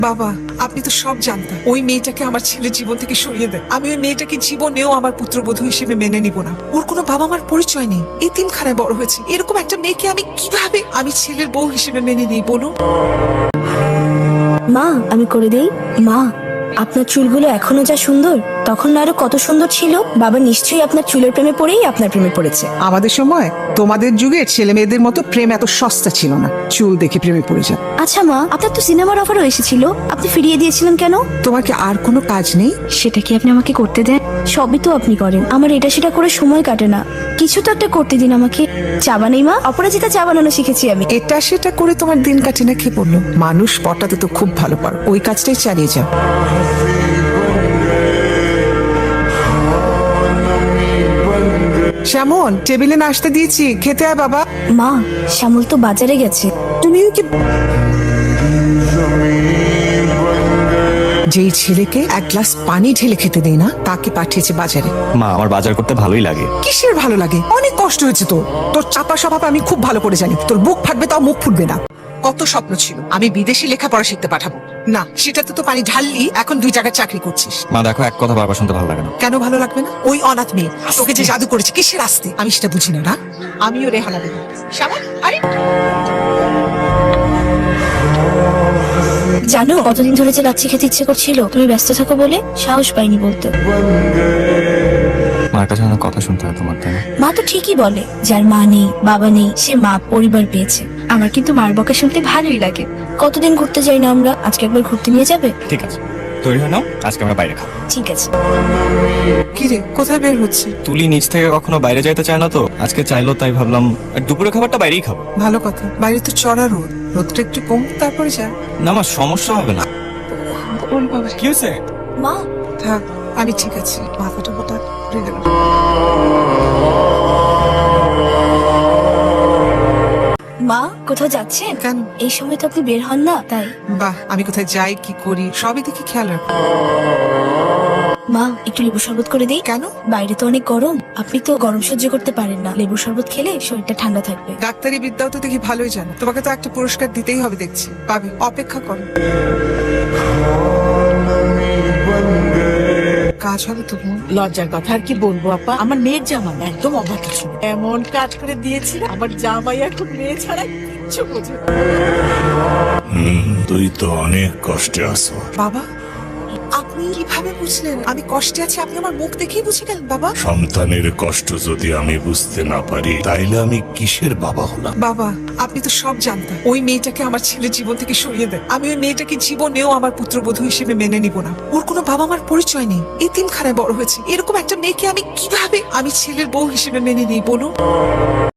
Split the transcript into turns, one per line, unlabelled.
বাবা, আপনি তো সব জানতেন। ওই মেয়েটাকে আমার ছেলের জীবন থেকে সরিয়ে দেন। আমি ওই মেয়েটাকে জীবনেও আমার পুত্রবধূ হিসেবে মেনে নিব না। ওর কোনো বাবা মার পরিচয় নেই, এতিমখানায় বড় হয়েছে। এরকম একটা মেয়েকে আমি কিভাবে আমি ছেলের বউ হিসেবে মেনে নিই বলুন?
মা, আমি করে দেই। মা, আপনার চুলগুলো এখনো যা সুন্দর, তখন না আরো কত সুন্দর ছিল। বাবা নিশ্চয়ই আপনার চুলের প্রেমে পড়েই আপনার প্রেমে পড়েছে।
আমাদের সময় তোমাদের যুগে ছেলে মেয়েদের মতো প্রেম এত সস্তা ছিল না। চুল দেখে প্রেমে পড়ে যান।
আচ্ছা মা, আপনার তো সিনেমার অফারও এসেছিল, আপনি ফিরিয়ে দিয়েছিলেন কেন?
তোমার কি আর কোনো কাজ নেই?
সেটা কি আপনি আমাকে করতে দেন? সবই তো আপনি করেন, আমার এটা সেটা করে সময় কাটে না। কিছু তো একটা করতে দিন আমাকে। চা বানাই মা, অপরাজিতা চা বানানো শিখেছি আমি।
এটা সেটা করে তোমার দিন কাটে না, খেয়ে পড়লো। মানুষ পটাতে তো খুব ভালো পারো, ওই কাজটাই চালিয়ে যাও। শ্যামল, টেবিলে নাস্তা দিয়েছি, খেতে আয় বাবা।
মা, শ্যামল তো বাজারে গেছে।
তুমিও কি যেই ছেলেকে এক গ্লাস পানি ঢেলে খেতে দেই না, তাকে পাঠিয়েছে বাজারে।
মা, আমার বাজার করতে ভালোই লাগে।
কিসের ভালো লাগে? অনেক কষ্ট হয়েছে তোর। তোর চাপা স্বভাব আমি খুব ভালো করে জানি। তোর বুক ফাটবে তাও মুখ ফুটবে না। কত স্বপ্ন ছিল আমি বিদেশি লেখাপড়া শিখতে পাঠাবো, না সেটাতে তো পানি ঢাললি। এখন 2 জায়গায় চাকরি করছিস।
মা দেখো, এক কথা বারবার শুনতে ভালো লাগে না।
কেন ভালো লাগবে না? ওই অনাথ মেয়ে তোকে যে জাদু করেছে, কিসের আসতে আমি সেটা বুঝি না। না, আমিও রেহানা দেব। শ্যামল, আরে
জানো কতদিন ধরে যে লাচ্ছি খেতে ইচ্ছে করছিল, তুমি ব্যস্ত থাকো বলে সাহস পাইনি বলতে।
মার কাছে অনেক কথা শুনতে হয় তোমার, তাই না?
মা তো ঠিকই বলে, যার মা নেই বাবা নেই সে মা পরিবার পেয়েছে। আমার কিন্তু মার বকা শুনতে ভালোই লাগে। কতদিন ঘুরতে যাই না আমরা, আজকে একবার ঘুরতে নিয়ে যাবে?
ঠিক আছে, তৈরি হয়ে নাও, আজকে আমরা বাইরে খাবো।
ঠিক আছে।
কি রে, কোথায় বের হচ্ছে?
তুলি নিচ থেকে কখনো বাইরে যাইতে চায় না, তো আজকে চাইলো, তাই ভাবলাম দুপুরে খাবারটা বাইরেই খাবো।
ভালো কথা, বাইরে তো চড়া রোদ, রোদটা একটু কম তারপরে যা।
না মা, সমস্যা হবে না।
ওর বাবা,
কি হয়েছে?
মা,
থাক, আমি ঠিক আছি। মাথাটা হঠাৎ ঘুরে গেল।
মা কোথাও যাচ্ছেন?
কেন?
এই সময় তো আপনি বের হন না, তাই।
বাহ, আমি কোথায় যাই কি করি সবই দেখি খেয়াল রাখো।
মা, একটু লেবু শরবত করে দিই।
কেন?
বাইরে তো অনেক গরম, আপনি তো গরম সহ্য করতে পারেন না। লেবু শরবত খেলে শরীরটা ঠান্ডা থাকবে।
ডাক্তারি বিদ্যাও তো দেখি ভালোই জানো। তোমাকে তো একটা পুরস্কার দিতেই হবে দেখছি। পাবে, অপেক্ষা করো। কাজ হবে তো বোন।
লজ্জার কথা আর কি বলবো আপা, আমার মেয়ের জামা না, একদম অবাক ছিল। এমন কাজ করে দিয়েছি আমার জামাই এখন মেয়ে ছাড়া কিচ্ছু বোঝে না।
তুই তো অনেক কষ্টে আছো।
বাবা, আপনি কিভাবে বুঝলেন আমি কষ্টে আছি? আপনি আমার মুখ দেখেই বুঝে গেলেন বাবা।
সন্তানের কষ্ট যদি আমি বুঝতে না পারি, তাইলে আমি কিসের বাবা হলাম?
বাবা, আপনি তো সব জানতেন। ওই মেয়েটাকে আমার ছেলের জীবন থেকে সরিয়ে দেন। আমি ওই মেয়েটাকে জীবনেও আমার পুত্রবধূ হিসেবে মেনে নিব না। ওর কোনো বাবা মার পরিচয় নেই, এতিমখানায় বড় হয়েছে। এরকম একটা মেয়েকে আমি কিভাবে আমি ছেলের বউ হিসেবে মেনে নিই বলুন?